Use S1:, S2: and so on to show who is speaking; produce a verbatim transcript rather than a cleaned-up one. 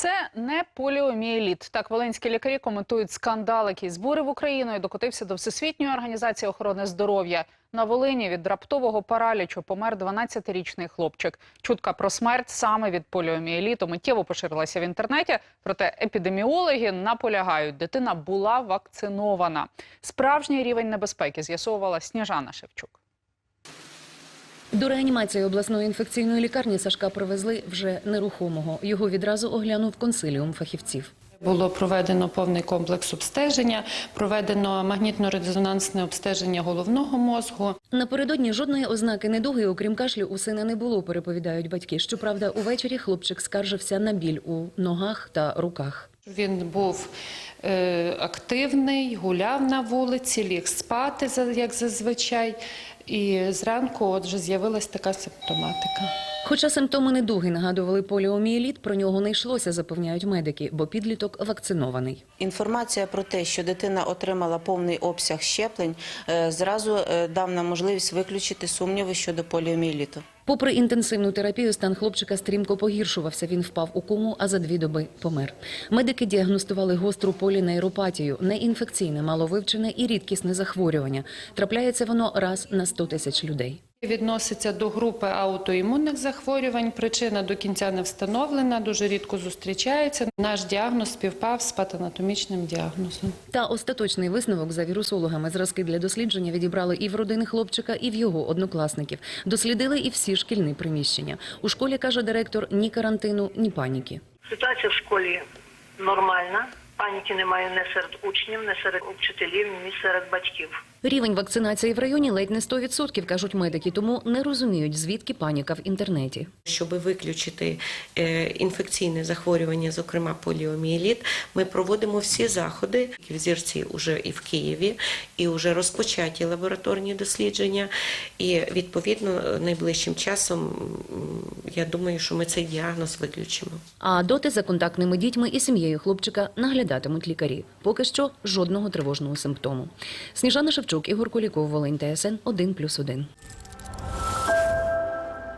S1: Це не поліомієліт. Так волинські лікарі коментують скандал, який збурив Україну і докотився до Всесвітньої організації охорони здоров'я. На Волині від раптового паралічу помер дванадцятирічний хлопчик. Чутка про смерть саме від поліомієліту миттєво поширилася в інтернеті. Проте епідеміологи наполягають, дитина була вакцинована. Справжній рівень небезпеки з'ясовувала Сніжана Шевчук.
S2: До реанімації обласної інфекційної лікарні Сашка привезли вже нерухомого. Його відразу оглянув консиліум фахівців.
S3: Було проведено повний комплекс обстеження, проведено магнітно-резонансне обстеження головного мозку.
S2: Напередодні жодної ознаки недуги, окрім кашлю, у сина не було, переповідають батьки. Щоправда, увечері хлопчик скаржився на біль у ногах та руках.
S3: Він був е, активний, гуляв на вулиці, ліг спати, як зазвичай. І зранку от вже з'явилась така симптоматика.
S2: Хоча симптоми недуги нагадували поліомієліт, про нього не йшлося, запевняють медики, бо підліток вакцинований.
S4: Інформація про те, що дитина отримала повний обсяг щеплень, зразу дав нам можливість виключити сумніви щодо поліомієліту.
S2: Попри інтенсивну терапію, стан хлопчика стрімко погіршувався. Він впав у кому, а за дві доби помер. Медики діагностували гостру полінейропатію – неінфекційне, маловивчене і рідкісне захворювання. Трапляється воно раз на сто тисяч людей.
S3: Відноситься до групи аутоімунних захворювань. Причина до кінця не встановлена, дуже рідко зустрічається. Наш діагноз співпав з патанатомічним діагнозом.
S2: Та остаточний висновок за вірусологами. Зразки для дослідження відібрали і в родини хлопчика, і в його однокласників. Дослідили і всі шкільні приміщення. У школі, каже директор, ні карантину, ні паніки.
S5: Ситуація в школі нормальна. Паніки немає ні серед учнів, ні серед вчителів, ні серед батьків.
S2: Рівень вакцинації в районі ледь не сто відсотків, кажуть медики, тому не розуміють, звідки паніка в інтернеті.
S6: Щоб виключити інфекційне захворювання, зокрема поліомієліт, ми проводимо всі заходи. Взірці вже і в Києві, і вже розпочаті лабораторні дослідження. І, відповідно, найближчим часом, я думаю, що ми цей діагноз виключимо.
S2: А доти за контактними дітьми і сім'єю хлопчика наглядатимуть лікарі. Поки що жодного тривожного симптому. Сніжана Шевчук, Ігор Куліков, Волинь, Т С Н один плюс один.